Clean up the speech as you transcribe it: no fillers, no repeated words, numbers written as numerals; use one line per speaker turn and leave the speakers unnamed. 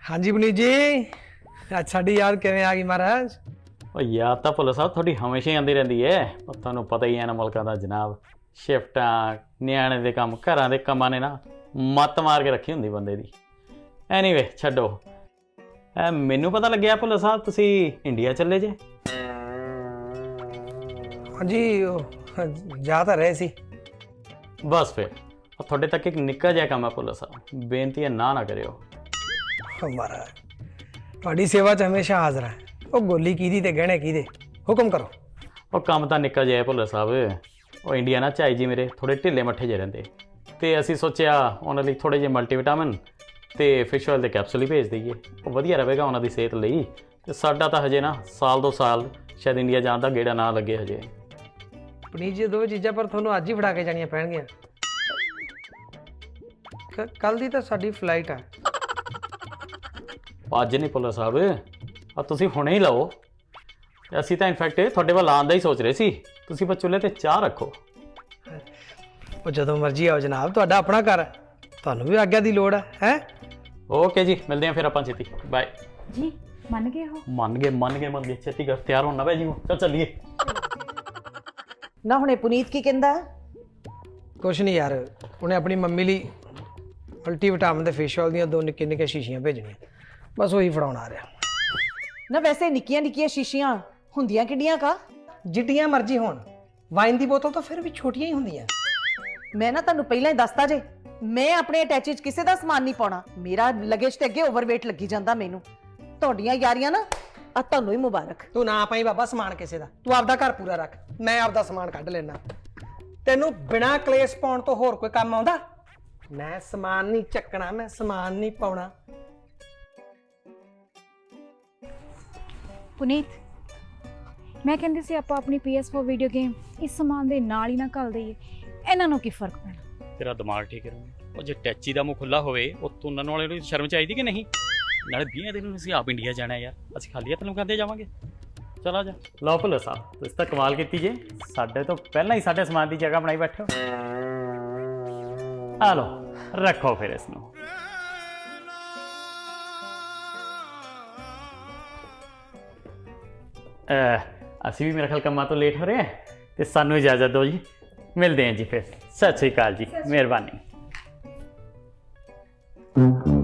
हाँ जी पुनीत जी, ਅੱਜ ਸਾਡੀ ਯਾਦ ਕਿਵੇਂ ਆ ਗਈ ਮਹਾਰਾਜ?
ਉਹ ਯਾਦ ਤਾਂ ਭੁੱਲਰ ਸਾਹਿਬ ਤੁਹਾਡੀ ਹਮੇਸ਼ਾ ਹੀ ਆਉਂਦੀ ਰਹਿੰਦੀ ਹੈ। ਉਹ ਤੁਹਾਨੂੰ ਪਤਾ ਹੀ ਹੈ ਨਾ ਮੁਲਕਾਂ ਦਾ ਜਨਾਬ, ਸ਼ਿਫਟਾਂ ਨਿਆਣੇ ਦੇ ਕੰਮ ਘਰਾਂ ਦੇ ਕੰਮਾਂ ਨੇ ਨਾ ਮੱਤ ਮਾਰ ਕੇ ਰੱਖੀ ਹੁੰਦੀ ਬੰਦੇ ਦੀ। ਐਨੀਵੇ ਛੱਡੋ, ਮੈਨੂੰ ਪਤਾ ਲੱਗਿਆ ਭੁੱਲਰ ਸਾਹਿਬ ਤੁਸੀਂ ਇੰਡੀਆ ਚੱਲੇ ਜੇ।
ਹਾਂਜੀ ਜਾ ਤਾਂ ਰਹੇ ਸੀ।
ਬਸ ਫਿਰ ਤੁਹਾਡੇ ਤੱਕ ਇੱਕ ਨਿੱਕਾ ਜਿਹਾ ਕੰਮ ਹੈ ਭੁੱਲਰ ਸਾਹਿਬ, ਬੇਨਤੀ ਹੈ ਨਾ ਕਰਿਓ।
ਮਹਾਰਾਜ ਤੁਹਾਡੀ ਸੇਵਾ 'ਚ ਹਮੇਸ਼ਾ ਹਾਜ਼ਰ ਹੈ। ਉਹ ਗੋਲੀ ਕਿਹਦੀ ਤੇ ਗਹਿਣੇ ਕਿਹਦੇ, ਹੁਕਮ ਕਰੋ।
ਉਹ ਕੰਮ ਤਾਂ ਨਿੱਕਾ ਜਿਹਾ ਹੈ ਭੁੱਲਰ ਸਾਹਿਬ। ਉਹ ਇੰਡੀਆ ਨਾ ਝਾਈ ਜੀ ਮੇਰੇ ਥੋੜ੍ਹੇ ਢਿੱਲੇ ਮੱਠੇ ਜਿਹੇ ਰਹਿੰਦੇ, ਅਤੇ ਅਸੀਂ ਸੋਚਿਆ ਉਹਨਾਂ ਲਈ ਥੋੜ੍ਹੇ ਜਿਹੇ ਮਲਟੀਵਿਟਾਮਿਨ ਅਤੇ ਫਿਸ਼ ਆਇਲ ਦੇ ਕੈਪਸੂਲ ਹੀ ਭੇਜ ਦਈਏ। ਉਹ ਵਧੀਆ ਰਹੇਗਾ ਉਹਨਾਂ ਦੀ ਸਿਹਤ ਲਈ। ਅਤੇ ਸਾਡਾ ਤਾਂ ਹਜੇ ਨਾ ਸਾਲ 2 ਸਾਲ ਸ਼ਾਇਦ ਇੰਡੀਆ ਜਾਣ ਦਾ ਗੇੜਾ ਨਾ ਲੱਗੇ ਹਜੇ।
ਪੁਨੀਤ ਜੀ ਦੋਵੇਂ ਚੀਜ਼ਾਂ ਪਰ ਤੁਹਾਨੂੰ ਅੱਜ ਹੀ ਫੜਾ ਕੇ ਜਾਣੀਆਂ ਪੈਣਗੀਆਂ। ਕੱਲ੍ਹ ਦੀ ਤਾਂ ਸਾਡੀ ਫਲਾਈਟ ਹੈ।
ਅੱਜ ਨਹੀਂ ਭੁੱਲਰ ਸਾਹਿਬ, ਆ ਤੁਸੀਂ ਹੁਣੇ ਹੀ ਲਓ। ਅਸੀਂ ਤਾਂ ਇਨਫੈਕਟ ਤੁਹਾਡੇ ਵੱਲ ਆਉਣ ਦਾ ਹੀ ਸੋਚ ਰਹੇ ਸੀ। ਤੁਸੀਂ ਬਸ ਚੁੱਲ੍ਹੇ 'ਤੇ ਚਾਹ ਰੱਖੋ।
ਉਹ ਜਦੋਂ ਮਰਜ਼ੀ ਆਓ ਜਨਾਬ, ਤੁਹਾਡਾ ਆਪਣਾ ਘਰ ਹੈ, ਤੁਹਾਨੂੰ ਵੀ ਆਗਿਆ ਦੀ ਲੋੜ ਹੈ।
ਓਕੇ ਜੀ, ਮਿਲਦੇ ਹਾਂ ਫਿਰ ਆਪਾਂ ਛੇਤੀ। ਬਾਏ
ਜੀ। ਮੰਨ ਗਏ ਹੋ?
ਮੰਨ ਗਏ ਛੇਤੀ ਕਰ, ਤਿਆਰ ਹੋਣਾ ਪੈ ਜੀ। ਚਲ ਚੱਲੀਏ।
ਨਾ ਹੁਣੇ ਪੁਨੀਤ ਕੀ ਕਹਿੰਦਾ?
ਕੁਛ ਨਹੀਂ ਯਾਰ, ਉਹਨੇ ਆਪਣੀ ਮੰਮੀ ਲਈ ਮਲਟੀਵਿਟਾਮਿਨ ਦੇ ਫੇਸ਼ ਆਇਲ ਦੀਆਂ 2 ਨਿੱਕੀਆਂ ਸ਼ੀਸ਼ੀਆਂ ਭੇਜਣੀਆਂ, ਬਸ ਉਹੀ ਫੜਾਉਣ ਆ ਰਿਹਾ।
ਨਾ ਵੈਸੇ ਨਿੱਕੀਆਂ ਨਿੱਕੀਆਂ ਸ਼ੀਸ਼ੀਆਂ ਹੁੰਦੀਆਂ ਕਿੱਡੀਆਂ ਕਾ?
ਜਿੱਡੀਆਂ ਮਰਜ਼ੀ ਹੋਣ, ਵਾਈਨ ਦੀ ਬੋਤਲ ਤਾਂ ਫਿਰ ਵੀ ਛੋਟੀਆਂ ਹੀ ਹੁੰਦੀਆਂ।
ਮੈਂ ਨਾ ਤੁਹਾਨੂੰ ਪਹਿਲਾਂ ਹੀ ਦੱਸਤਾ ਜੇ, ਮੈਂ ਆਪਣੇ ਅਟੈਚ 'ਚ ਕਿਸੇ ਦਾ ਸਮਾਨ ਨਹੀਂ ਪਾਉਣਾ। ਮੇਰਾ ਲਗੇਜ ਤੇ ਅੱਗੇ ਓਵਰਵੇਟ ਲੱਗੀ ਜਾਂਦਾ ਮੈਨੂੰ। ਤੁਹਾਡੀਆਂ ਯਾਰੀਆਂ ਨਾ ਆ ਤੁਹਾਨੂੰ ਹੀ ਮੁਬਾਰਕ।
ਤੂੰ ਨਾ ਪਾਈ ਬਾਬਾ ਸਮਾਨ ਕਿਸੇ ਦਾ, ਤੂੰ ਆਪਦਾ ਘਰ ਪੂਰਾ ਰੱਖ, ਮੈਂ ਆਪਦਾ ਸਮਾਨ ਕੱਢ ਲੈਣਾ। ਤੈਨੂੰ ਬਿਨਾਂ ਕਲੇਸ਼ ਪਾਉਣ ਤੋਂ ਹੋਰ ਕੋਈ ਕੰਮ ਆਉਂਦਾ? ਮੈਂ ਸਮਾਨ ਨਹੀਂ ਚੱਕਣਾ, ਮੈਂ ਸਮਾਨ ਨਹੀਂ ਪਾਉਣਾ।
ਪੁਨੀਤ, ਮੈਂ ਕਹਿੰਦੀ ਸੀ ਆਪਾਂ ਆਪਣੀ PS4 ਵੀਡੀਓ ਗੇਮ ਇਸ ਸਮਾਨ ਦੇ ਨਾਲ ਹੀ ਨਾ ਘੱਲ ਦਈਏ, ਇਹਨਾਂ ਨੂੰ ਕੀ ਫਰਕ ਪੈਣਾ।
ਤੇਰਾ ਦਿਮਾਗ ਠੀਕ ਹੈ। ਉਹ ਜੇ ਟੈਚੀ ਦਾ ਮੂੰਹ ਖੁੱਲਾ ਹੋਵੇ, ਉਹ ਤੁੰਨਣ ਵਾਲੇ ਨੂੰ ਸ਼ਰਮ ਚਾਹੀਦੀ ਕਿ ਨਹੀਂ? ਨਾਲੇ 20 ਦਿਨ ਨੂੰ ਅਸੀਂ ਆਪ ਇੰਡੀਆ ਜਾਣਾ ਯਾਰ, ਅਸੀਂ ਖਾਲੀ ਹੱਥ ਨੂੰ ਖਾਂਦੇ ਜਾਵਾਂਗੇ। ਚਲਾ ਜਾ। ਲਓ ਭੁੱਲਰ ਸਾਹਿਬ, ਤੁਸੀਂ ਤਾਂ ਕਮਾਲ ਕੀਤੀ ਜੇ, ਸਾਡੇ ਤੋਂ ਪਹਿਲਾਂ ਹੀ ਸਾਡੇ ਸਮਾਨ ਦੀ ਜਗ੍ਹਾ ਬਣਾਈ ਬੈਠੇ ਹੋ। ਆ ਲਓ, ਰੱਖੋ ਫਿਰ ਇਸ ਨੂੰ। ਅਸੀਂ ਵੀ ਮੇਰਾ ਖਿਆਲ ਕੰਮਾਂ ਤੋਂ ਲੇਟ ਹੋ ਰਹੇ ਹਾਂ, ਅਤੇ ਸਾਨੂੰ ਇਜਾਜ਼ਤ ਦਿਓ ਜੀ। ਮਿਲਦੇ ਹਾਂ ਜੀ ਫਿਰ। ਸਤਿ ਸ਼੍ਰੀ ਅਕਾਲ ਜੀ, ਮਿਹਰਬਾਨੀ।